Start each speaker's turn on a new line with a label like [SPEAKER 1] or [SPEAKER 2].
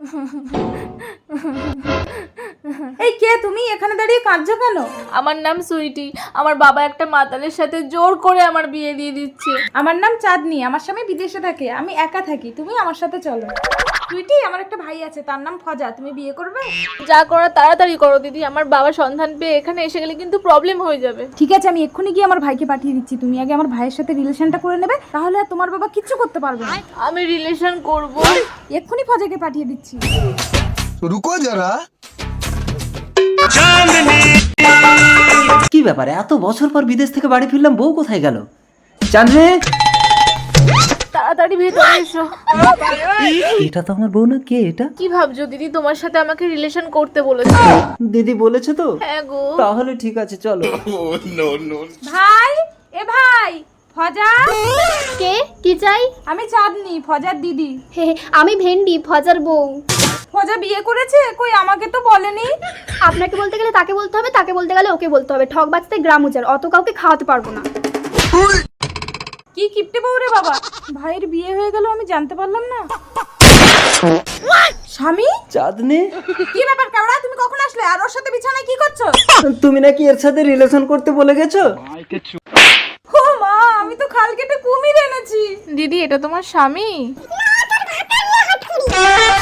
[SPEAKER 1] এই কে তুমি? এখানে দাঁড়িয়ে কাঁদছো কেন?
[SPEAKER 2] আমার নাম সুইটি। আমার বাবা একটা মাতালের সাথে জোর করে আমার বিয়ে দিয়ে দিচ্ছে।
[SPEAKER 1] আমার নাম চাঁদনি। আমার স্বামী বিদেশে থাকে, আমি একা থাকি। তুমি আমার সাথে চলো। সুইটি, আমার একটা ভাই আছে, তার নাম ফজা। তুমি বিয়ে করবে?
[SPEAKER 2] যা করার তাড়াতাড়ি করো দিদি, আমার বাবা সন্ধান পেয়ে এখানে এসে গেলে কিন্তু প্রবলেম হয়ে যাবে।
[SPEAKER 1] ঠিক আছে, আমি এক্ষুনি গিয়ে আমার ভাইকে পাঠিয়ে দিচ্ছি। তুমি আগে আমার ভাইয়ের সাথে রিলেশনটা করে নেবে, তাহলে আর তোমার বাবা কিচ্ছু করতে পারবে না।
[SPEAKER 2] আমি রিলেশন করব।
[SPEAKER 1] এক্ষুনি ফজাকে পাঠিয়ে দিচ্ছি।
[SPEAKER 3] रुको जरा।
[SPEAKER 4] কি ব্যাপারে এত বছর পর বিদেশ থেকে বাড়ি ফিরলাম, বউ কোথায় গেল? চাঁদনি,
[SPEAKER 2] তাড়াতাড়ি ভেতরে এসো।
[SPEAKER 4] এটা তো আমার বউ না। কে এটা?
[SPEAKER 2] কি ভাবছো দিদি, তোমার সাথে আমাকে রিলেশন করতে বলেছে।
[SPEAKER 4] দিদি বলেছে তো?
[SPEAKER 2] হ্যাঁ গো।
[SPEAKER 4] তাহলে ঠিক আছে, চলো।
[SPEAKER 1] ভাই, এ ভাই, ফজা।
[SPEAKER 5] কে? কি চাই?
[SPEAKER 1] আমি চাঁদনি, ফজার দিদি।
[SPEAKER 5] হে হে, আমি ভেন্ডি, ফজার বউ।
[SPEAKER 1] ফজা বিয়ে করেছে? কই, আমাকে তো বলেনি।
[SPEAKER 5] আপনাকে বলতে গেলে তাকে বলতে হবে, তাকে বলতে গেলে ওকে বলতে হবে। ঠক বাঁচতে গ্রাম উজাড়, অত কাউকে খাওয়াতে পারবো না।
[SPEAKER 1] কি কিপটে বউ রে বাবা! ভাইয়ের বিয়ে হয়ে গেল, আমি জানতে পারলাম না। স্বামী?
[SPEAKER 4] চাঁদনি,
[SPEAKER 1] কি ব্যাপার কেওড়া, তুমি কখন আসলে? আর ওর সাথে বিছানায় কি করছো?
[SPEAKER 4] তুমি নাকি এর সাথে রিলেশন করতে বলে গেছো?
[SPEAKER 1] ও মা, আমি তো খাল কেটে কুমির এনেছি।
[SPEAKER 2] দিদি, এটা তোমার স্বামী?